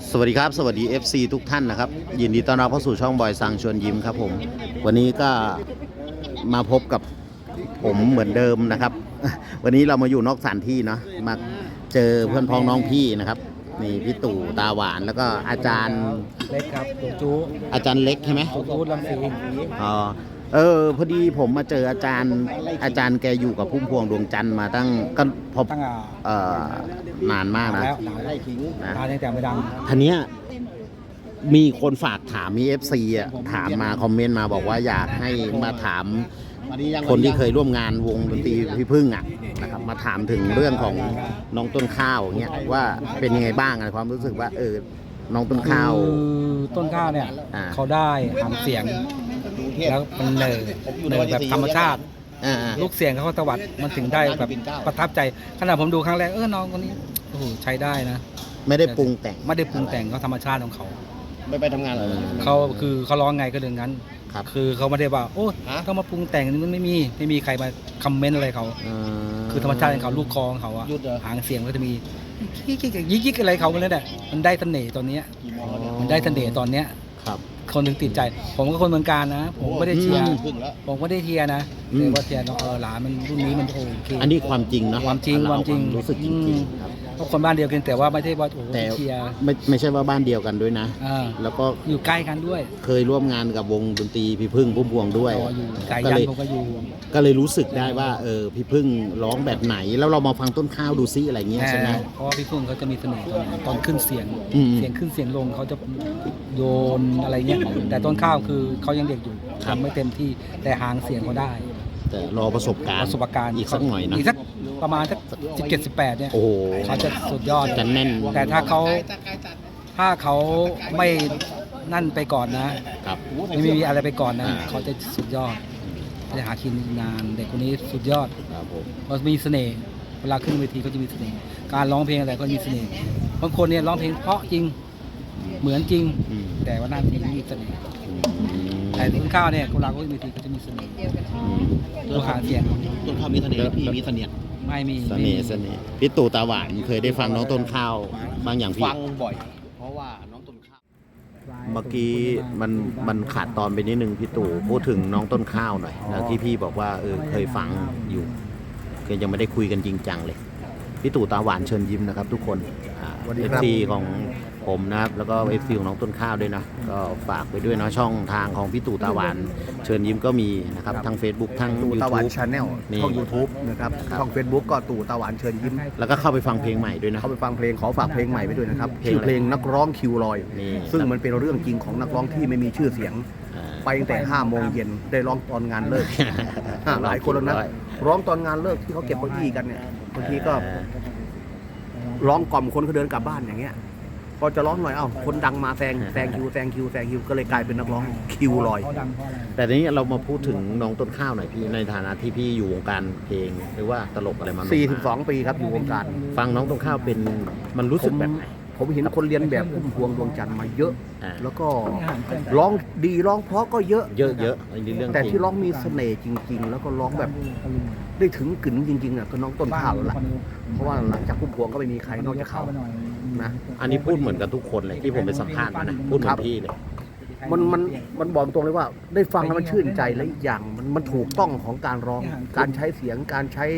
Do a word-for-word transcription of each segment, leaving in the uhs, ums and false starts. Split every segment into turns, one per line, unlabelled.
สวัสดีครับสวัสดี เอฟ ซี ทุกท่านนะครับยินดีต้อนรับเข้าสู่ช่องบอยซังชวนยิ้มครับผมวันนี้ก็มาพบกับผมเหมือนเดิมนะครับวันนี้เรามาอยู่นอกสถานที่เนาะมาเจอเพื่อนพ้องน้องพี่นะครับนี่พี่ตู่ตาหวานแล้วก็อาจารย์
เล็กครับตุ๊จู
อาจารย์เล็กใช่ไหม
ตุ๊จูลำสี
อ๋อเออพอดีผมมาเจออาจารย์อาจารย์แกอยู่กับพุ่มพวงดวงจันทร์มาตั้งก็พอเอ่อนานมากนะ
แล้วไล่ขิงนะตายังแต่ไม่ดัง
ทีเนี้ยมีคนฝากถามมี เอฟ ซี อ่ะถามมาคอมเมนต์มาบอกว่าอยากให้มาถามคนที่เคยร่วมงานวงดนตรีพี่พึ่งอ่ะนะครับมาถามถึงเรื่องของน้องต้นข้าวเงี้ยว่าเป็นยังไงบ้างอะไรความรู้สึกว่าเออน้องต้นข้าว
ต้นข้าวเนี่ยเขาได้หางเสียงแล้วมันเลยเลยแบบธรรมชาติลูกเสียงเขาตวัดมันถึงได้แบบประทับใจขณะผมดูครั้งแรกเออน้องคนนี้โอ้โหใช้ได้นะ
ไม่ได้ปรุงแต่ง
ไม่ได้ปรุงแต่งเขาธรรมชาติของเขา
ไม่ไปทำงานเลย
เขาคือเขาร้องไงก็เดินงั้นคือเขาไม่ได้ว่าโอ้ต้องมาปรุงแต่งนี่มันไม่มีไม่มีใครมาคอมเมนต์อะไรเขาคือธรรมชาติของเขาลูกคอของเขาอะหางเสียงก็จะมียิกยิกยิกอะไรเขาเลยแหละมันได้เสน่ห์ตอนนี้มันได้เสน่ห์ตอนเนี้ยคนถึงติดใจผมก็คนเมืองการนะผมไม่ได้เชียร์ผมก็ได้เชียร์นะแต่ว่าเชียร์เออหลานมันรุ่นนี้มันโอเค
อันนี้ความจริงนะ
ความจริงความจริง
รู้สึกจริง
เพราะคนบ้านเดียวกันแต่ว่าไม่ใช่ว่าโอ้โหเชียร์
ไม่ไม่ใช่ว่าบ้านเดียวกันด้วยนะแล้วก็
อยู่ใกล้กันด้วย
เคยร่วมงานกับวงดนตรีพี่พึ่งพุ่มพวงด้วย
ก็เลยผมก็อยู่
ก็เลยรู้สึกได้ว่าเออพี่พึ่งร้องแบบไหนแล้วเรามาฟังต้นข้าวดูซิอะไรเงี้ยใช่ไหม
เพราะว่าพี่พึ่งเขาจะมีเสน่ห์ตอนตอนขึ้นเสียงเสียงขึ้นเสียงลงเขาจะโยนอะไรเงี้ยแต่ต้นข้าวคือเขายังเด็กอยู่ทำไม่เต็มที่แต่หางเสียงเขาได้
แต่รอประสบการณ์
ประสบการณ์
อีกสักหน่อยนะ
อีกสักประมาณสักสิบเจ็ดสิบแปดเนี่ย
โอ้โห
เขาจะสุดยอด
จะแน่น
แต่ถ้าเขาถ้าเขาไม่นั่นไปก่อนนะครับไม่มีอะไรไปก่อนนะเขาจะสุดยอดจะหากินนานเด็กคนนี้สุดยอด
ครับผม
เขามีเสน่ห์เวลาขึ้นเวทีเขาจะมีเสน่ห์การร้องเพลงอะไรก็มีเสน่ห์บางคนเนี่ยร้องเพลงเพราะจริงเหมือนจริงแต่ว่าหน้าที่มีเสน่ห์แต่ต้นข้าวเนี่ยเวลาเขาขึ้นเวทีเขาจะมีเสน่ห์ตัวหางเสียง
ต้นข้าวมีเสน่ห์พี่มีเสน่ห์
ไม่มี
เสน่ห์เสน่ห์พี่ตู่ตาหวานเคยได้ฟังน้องต้นข้าวบางอย่างพี่
ฟังบ่อยเพราะว่าน้องต้นข้าว
เมื่อกี้มันมันขาดตอนไปนิดนึงพี่ตู่พูดถึงน้องต้นข้าวหน่อยแล้วที่พี่บอกว่าเออเคยฟังอยู่ก็ยังไม่ได้คุยกันจริงจังเลยพี่ตู่ตาหวานเชิญยิ้มนะครับทุกคนเอฟซีของผมนะครับแล้วก็เอฟซีของน้องต้นข้าวด้วยนะก็ฝากไปด้วยนะช่องทางของพี่ตู่ตาหวานเชิญยิ้มก็มีนะครับทั้ง Facebook ทั้ง
ตู่ตาหวาน
YouTube
ชาแนลช่อง YouTube นะครับช่อง Facebook ก็ตู่ตาหวานเชิญยิ้ม
แล้วก็เข้าไปฟังเพลงใหม่ด้วยนะ
เข้าไปฟังเพลงขอฝากเพลงใหม่ไปด้วยนะครับชื่อเพลงนักร้องคิวลอยซึ่งมันเป็นเรื่องจริงของนักร้องที่ไม่มีชื่อเสียงไปตั้งแต่ห้าโมงเย็นได้ร้องตอนงานเลิกหลายคนแล้วนะร้องตอนงานเลิกที่เขาเก็บเก้าอี้กันเนี่ยบางทีก็ร้องกล่อมคนเขาเดินกลับบ้านอย่างเงี้ยพอจะร้องหน่อยเอ้าคนดังมาแซงแซงคิวแซงคิวแซงคิวก็เลยกลายเป็นนักร้องคิวลอย
แต่ทีนี้เรามาพูดถึงน้องต้นข้าวหน่อยพี่ในฐานะที่พี่อยู่วงการเพลงหรือว่าตลกอะไรมา
สี่สิบสองปีครับอยู่วงการ
ฟังน้องต้นข้าวเป็นมันรู้สึกแบบไหน
ผมเห็นคนเรียนแบบพุ่มพวงดวงจันทร์มาเยอะแล้วก็ร้องดีร้องเพราะก็เยอะ
เยอะเยอะเรื่อง
แต่ที่ร้องมีเสน่ห์จริงๆแล้วก็ร้องแบบได้ถึงกึ๋นจริงๆอ่ะก็น้องต้นข้าวแล้วล่ะเพราะว่าหลังจากพุ่มพวงก็ไม่มีใครนอกจากเขานะ
อันนี้พูดเหมือนกับทุกคนเลยที่ผมไปสัมภาษณ์มานะพูดเหมือนพี่เลย
มันมันมันบอกตรงเลยว่าได้ฟังแล้วมันชื่นใจและอีกอย่างมันมันถูกต้องของการร้องการใช้เสียงการใช้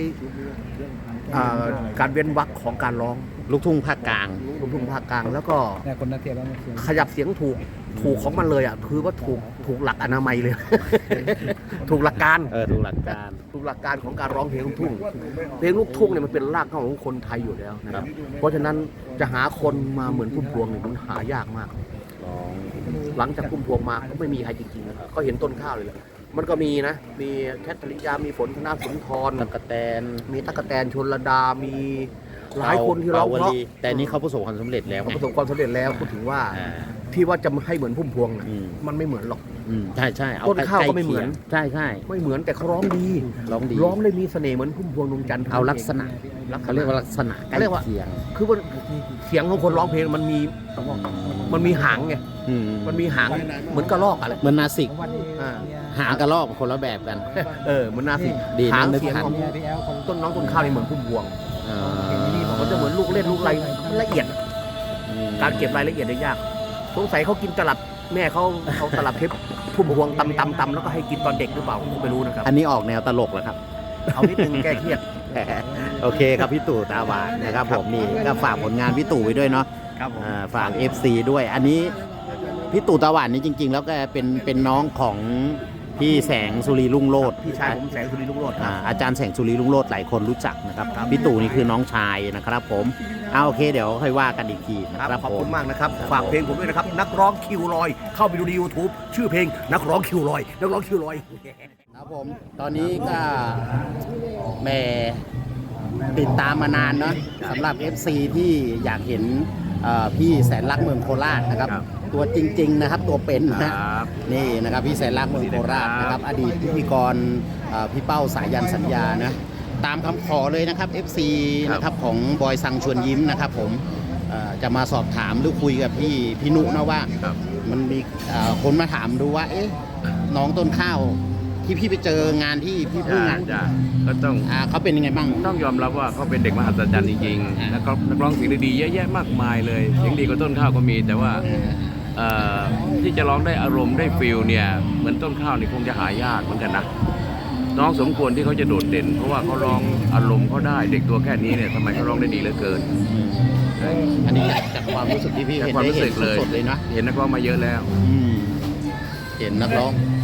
การเว้นวรรคของการร้อง
ลูกทุ่งภาคกลาง
ลูกทุ่งภาคกลางแล้วก็ขยับเสียงถูกถูกของมันเลยอ่ะคือว่าถูกถูกหลักอนามัยเลย ถูกหลักการ
เออถูกหลักการ
ถูกหลักการของการร้องเพลงลูกทุ่งเพลงลูกทุ่งเนี่ยมันเป็นรากเหง้าของคนไทยอยู่แล้วนะครับเพราะฉะนั้นจะหาคนมาเหมือนพุ่มพวงเนี่ยมันหายากมากหลังจากพุ่มพวงมาก็ไม่มีใครจริงๆนะก็เห็นต้นข้าวเลยแหละมันก็มีนะมีแคทริยามีฝนธนาสุนทร
ตะกะแตน
มีตะกะแตนชลดามีหลายคนที่เราเพราะ
แต่นี่เขาประสบความสำเร็จแล้ว
ประสบความสำเร็จแล้วพูดถึงว่าที่ว่าจะให้เหมือนพุ่มพวงมันไม่เหมือนหรอก
ใช่ใช่
ต้นข้าวก็ไม่เหมือน
ใช่ใช่
ไม่เหมือนแต่เขาร้องดี
ร้องดี
ร้องได้มีเสน่ห์เหมือนพุ่มพวงดวงจันทร์
เอาลักษณะเขาเรียกว่าลักษณะใกล้เคียง
คือว่าเสียงของคนร้องเพลงมันมีมันมีหางไงมันมีหางเหมือนกระรอกอะไร
เหมือนนาสิกหางกระรอกคนละแบบกัน
เออมันนาสิกหางเสียงของต้นน้องต้นข้าวนี่เหมือนพุ่มพวงมันจะเหมือนลูกเล่นลูกอะไรละเอียดการเก็บรายละเอียดเนี่ยยากสงสัยเขากินตลับแม่เขาเอาตลับเทปพุ่มพวงตำตำตำแล้วก็ให้กินตอนเด็กหรือเปล่าผมไม่รู้นะครับ
อันนี้ออกแนวตลกแล้วครับ
เอานิดนึงแก้เครียด
โอเคครับพี่ตู่ตาหวานนะครับผมนี่ก็ฝากผลงานพี่ตู่ไว้ด้วยเนาะ
ครับผม
อ่าฝาก เอฟ ซี ด้วย อันนี้พี่ตู่ตาหวานนี่จริง ๆ แล้วก็เป็นเป็นน้องของพี่แสงสุรีรุ่งโรจน์
พี่ชายผมแสงสุรีลุงโรจน์ค
อ่า
รับ
อาจารย์แสงสุรีรุ่งโรจน์หลายคนรู้จักนะครับพี่ตู่นี่คือน้องชายนะครับผมเอาโอเคเดี๋ยวค่อยว่ากันอีกทีนะ
ค
ค
รั
รั
บบ ขอบ
ผ
คุ
ม
ณมากนะครับฝากเพลงผมด้วยนะครับนักร้องคิวลอย เข้าไปดูใน YouTube ชื่อเพลงนักร้องคิวลอยนักร้องคิวลอย
ครับผมตอนนี้ก็แหม่ติดตามมานานเนาะสำหรับ เอฟ ซี ที่อยากเห็นเอ่อพี่แสนรักเมืองโคราชนะครับ
ครับ
ตัวจริง ๆ นะครับตัวเป็น
ค
นะ
รับ
นี่นะครับพี่แสนรักเมืองโคราชนะครับอดีตพิธีกรเอ่อพี่เป้าสายันสัญญานะตามคำขอเลยนะครับ เอฟ ซี
ครับ
นะครับของบอยสังชวนยิ้มนะครับผมเอ่อจะมาสอบถามหรือคุยกับพี่พี่นุนะว่า
ครับ
มันมีเอ่อคนมาถามดูว่าเอ๊ะน้องต้นข้าวที่พี่ไปเจองานที่พี่พึ่ง
จ้า
อ่ะ
จ้าก็ต้อง
อ่าเขาเป็นยังไงบ้าง
ต้องยอมรับว่าเขาเป็นเด็กมหัศจรรย์จริง
อ่า
ๆแล้วก็นักร้องเสียงดีๆเยอะแยะมากมายเลยเสียงดีกว่าต้นข้าวก็มี แต่ว่าเอ่อที่จะร้องได้อารมณ์ได้ฟิลเนี่ยเหมือนต้นข้าวนี่คงจะหายากเหมือนกันนะน้องสมควรที่เขาจะโดดเด่น เพราะว่าเขาร้องอารมณ์เขาได้เด็กตัวแค่นี้เนี่ยทำไมเขาร้องได้ดีเหลือเกิน
อันนี้จากความรู้สึกที่พี่
จาก
เห็น
ความ
ได้
รู้
เห็
สึ
น
กเลย
สดๆเลยนะ
เห็นนักร้องมาเยอะแล้ว
อืมเห็นนักร้อง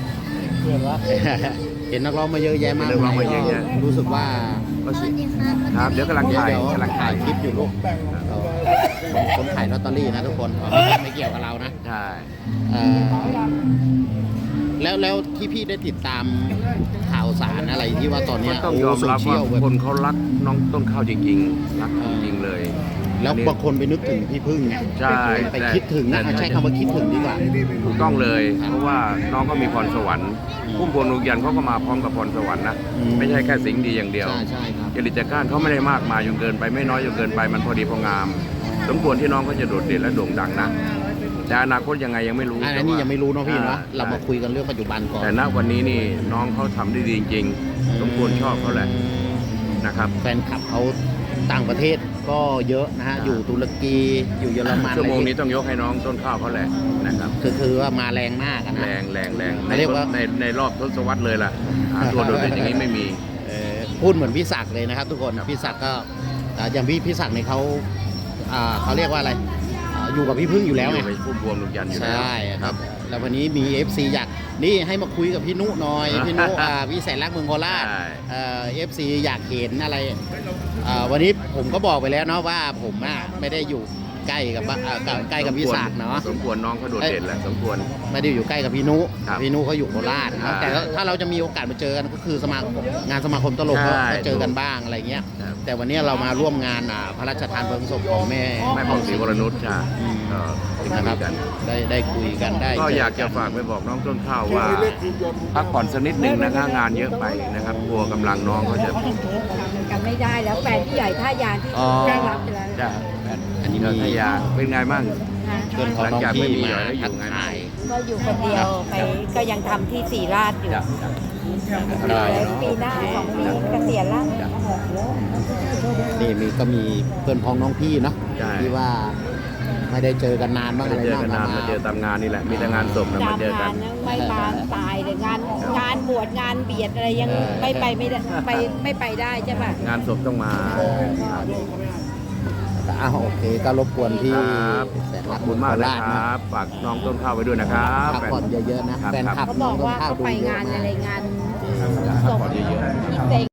เห็นนักร้องมาเยอะแยะมาก
เห็นนักร้องมาเยอะแยะ
รู้สึกว่า
ก็สิครับเดี๋ยวกำลังถ่าย
เดี๋ยว
กำลัง
ถ่า
ถ่ายย
คลิปอยู่ลูกเราคนขายลอตเตอรี่นะทุกคนไม่เกี่ยวกับเรานะ
ใช่
เอ่อแล้วแล้วที่พี่ได้ติดตามข่าวสารอะไรที่ว่าตอนเนี้
ก็
ย
ต้องยอม
โโซ
รับ
เชี
ว่าย
ลแบบ
คนเขารักน้องต้นข้าวจริงๆรักจริงๆเลย
แล้ว
อันนี้
บางคนไปนึกถึงพี่พึ่งไง
ใช่
ไปคิดถึงนะ
แต่
ใช้คำว่าคิดถึงดีกว่า
ถูกต้องเลย
ครับ
เพราะว่าน้องก็มีพรสวรรค์
อืม
พุ่มพวงดวงจันทร์เขาก็มาพร้อมกับพรสวรรค์นะ
อืม
ไม่ใช่แค่สิ่งดีอย่างเดียว
ใช่ใช่ครับ
จริตจักรานเขาไม่ได้มากมายจนเกินไปไม่น้อยจนเกินไปมันพอดีพองาม สมควรที่น้องเขาจะโดดเด่นและโด่งดังนะแต่อนาคตยังไงยังไม่รู้
อัน
แต่
นี้
ว่า
ยังไม่รู้เนาะพี่เนาะ
อ่
เรามาคุยกันเรื่องปัจจุบันก่อน
แต่ณวันนี้นี่น้องเขาทำได้ดีจริงๆสมควรชอบเขาแหละนะครับ
แฟนคลับเขาต่างประเทศก็เยอะนะฮะ อยู่ตุรกีอยู่เยอรมัน
ชั่วโมง
อะไร
นี้
ที่
ต้องยกให้น้องต้นข้าวเขาแหละนะครับ
คือคือว่ามาแรงมากอะนะ
แรงแรงแรงใน
เรียกว่า
ในในรอบทศวรรษเลยล่ะหาตัวโดดเด่นอย่างนี้ไม่มี
เอ่อพูดเหมือนพี่ศักดิ์เลยนะครับ ทุกคนพี่ศักดิ์ก็อ่าอย่างพี่พี่ศักดิ์เนี่ยเขาอ่าเขาเรียกว่าอะไรอ่าอยู่กับพี่พึ่งอยู่แล้วไง
อยู่ในพุ่มพวงดวงจันทร์อยู่
ใช
แล้ว
่ค
ค
รั
รับ บ
แล้ววันนี้มี เอฟ ซี อยากนี่ให้มาคุยกับพี่นุหน่อย พี่นุอ่าพี่แสนรักเมืองโคราช
ใช่
เอ่อฟซีอยากเห็นอะไรเอ่อวันนี้ผมก็บอกไปแล้วเนาะว่าผมอ่ะไม่ได้อยู่ใกล้กับบ้านเอ่อใกล้กับพี่ศักดิ์เนาะ
สมควรน้องเขาโดดเด่นแหละสมควร
ไม่ได้อยู่ใกล้กับพี่นุ
ครับ
พี่นุเขาอยู่โคราช
ครั
เนาะ
บ
แต่ถ้าเราจะมีโอกาสมาเจอกันก็คือสมาคมงานสมาคมตลกก็
ใช่
ก็เจอกันบ้างอะไรเงี้ย
ครับ
แต่วันนี้เรามาร่วมงานอ่าพระราชทานเพลิงศพของแม่
แม่ผ่องศรีวรนุชใช่
อืม
ก็ได้
นะค
คุ
รับ
ยกัน
ได้ได้คุยกันได้
ก็
เจ
อยากจะฝากไปบอกน้องต้นข้าวว่าพักผ่อนสักนิดหนึ่งนะคะงานเยอะไปนะครับกลัวกำลังน้องเขาจะ
กันไม่ได้แล้วแฟนพี่ใหญ่ท่ายางที่
อ๋อ
ได้รับไปแล้ว
จะ
อันนี้
เดิน
มี
ทยาเป็นไงบ้าง
นะ
เพื่อนของน้อง
หลังจากไม่
พี่
มี
มา
แล้วอยู่
ทัก
ไง
ทาย
ก็อยู่คนเดียวไปก็ยังทำที่สีราชอยู่
จะจะ
ได้
แล้ว
เนาะ
ปีหน้าสองปีเกษียณแล้ว
นี่มีก็มีเพื่อนพ้องน้องพี่เนาะ
ใช่
ที่ว่าไม่ได้เจอกันนานบ้าง
ไม่
อะไร
ได้เจอ
บ้าง
กันนานมาเจอตามงานนี่แหละมีแต่งานศพนะมา
ตาม
เจอกั
งาน นยังไม่บานตายเลยงานงานบวชงานเบียดอะไรยังไม่ไปไม่ได้ไปไม่ไปได้ใช่ป่ะ
งานศพต้องมา
อ้าวโอเคก็รบกวนพี่
ครับ
แสน
ขอ
รั
บ
ก
คุณมาก
โค
นะ
ราช
ค
นะ
รับฝากน้องต้นข้าวไว้ด้วยนะครับ
พักผ่อนเยอะๆนะ
ครับ
แฟนคลับ
เขา
น้
บ
อ
อง ก
ต้น
ว่า
ข้าว
เขา
ดู
ไป
เย
งา
อะ
น
มา
อะไร
ก
งาน
พัก
ศพ
ผ่อนเยอะๆ
พี่เต็ง